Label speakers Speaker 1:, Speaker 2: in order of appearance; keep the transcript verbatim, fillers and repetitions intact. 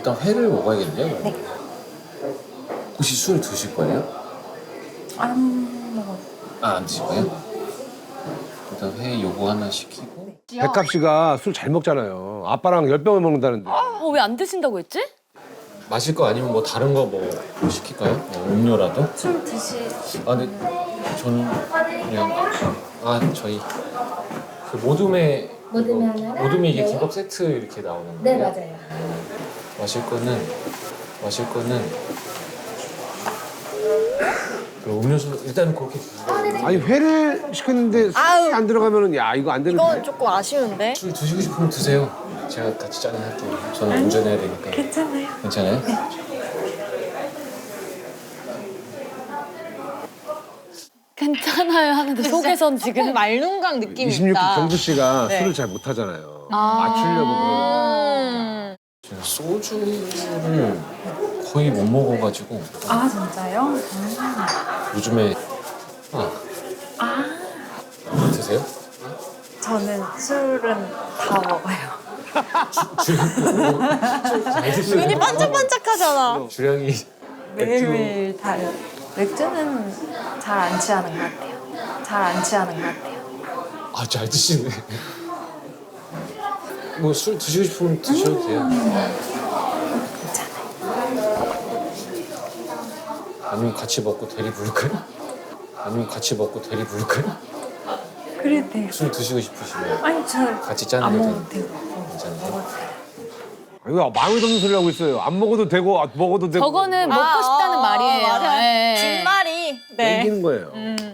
Speaker 1: 일단 회를 먹어야겠네요.
Speaker 2: 네.
Speaker 1: 혹시 술 드실 거예요?
Speaker 2: 안 먹어요.
Speaker 1: 아, 안 드실 거예요? 일단 회 요거 하나 시키고.
Speaker 3: 백갑 씨가 술 잘 먹잖아요. 아빠랑 열 병을 먹는다는데.
Speaker 4: 어, 왜 안 드신다고 했지?
Speaker 1: 마실 거 아니면 뭐 다른 거 뭐 시킬까요? 뭐 음료라도?
Speaker 2: 술 드시...
Speaker 1: 아, 근데 저는 그냥 아 저희 그 모둠에
Speaker 2: 모둠에
Speaker 1: 이거-
Speaker 2: 하나랑?
Speaker 1: 모둠이 이게
Speaker 2: 네.
Speaker 1: 김밥 세트 이렇게 나오는 거예요?
Speaker 2: 네, 맞아요.
Speaker 1: 마실 거는 마실 거는 그 음료수 일단 그렇게 주세요.
Speaker 3: 아니 회를 시켰는데 술이 안 들어가면은 야 이거 안 되는데.
Speaker 4: 이건 조금 아쉬운데.
Speaker 1: 술 드시고 싶으면 드세요. 제가 같이 짜증할게요. 저는 운전해야 되니까.
Speaker 2: 괜찮아요.
Speaker 1: 괜찮아요?
Speaker 4: 괜찮아요 하는데 속에선 지금
Speaker 5: 말눈강 느낌이
Speaker 3: 이십육 기
Speaker 5: 있다.
Speaker 3: 경수 씨가
Speaker 5: 네.
Speaker 3: 술을 잘 못하잖아요. 맞추려고 그러는.
Speaker 5: 음.
Speaker 1: 제가 소주를 거의 못 먹어가지고
Speaker 2: 아, 진짜요?
Speaker 1: 요즘에 아, 드세요?
Speaker 2: 저는 술은 다 먹어요.
Speaker 4: 눈이 반짝반짝하잖아.
Speaker 1: 주량이
Speaker 2: 매일매일 다요. 맥주는 잘 안 취하는 것 같아요. 잘 안 취하는 것 같아요.
Speaker 1: 아, 잘 드시네. 뭐 술 드시고 싶으면 드셔도 돼요. 아니면 같이 먹고 대리 부를까요? 아니면 같이 먹고 대리 부를까요?
Speaker 2: 그래도 돼요.
Speaker 1: 술 드시고 싶으시면
Speaker 2: 아니, 저
Speaker 1: 같이 짜는
Speaker 2: 안
Speaker 1: 게
Speaker 2: 먹어도
Speaker 1: 돼요.
Speaker 2: 되고.
Speaker 1: 괜찮아요?
Speaker 3: 이거 마음에 드는 소리 하고 있어요. 안 먹어도 되고 아, 먹어도 되고.
Speaker 4: 저거는 먹고 싶다는 말이에요.
Speaker 5: 맞아요.
Speaker 4: 예, 예.
Speaker 5: 진말이. 네.
Speaker 3: 땡기는 거예요.
Speaker 5: 음.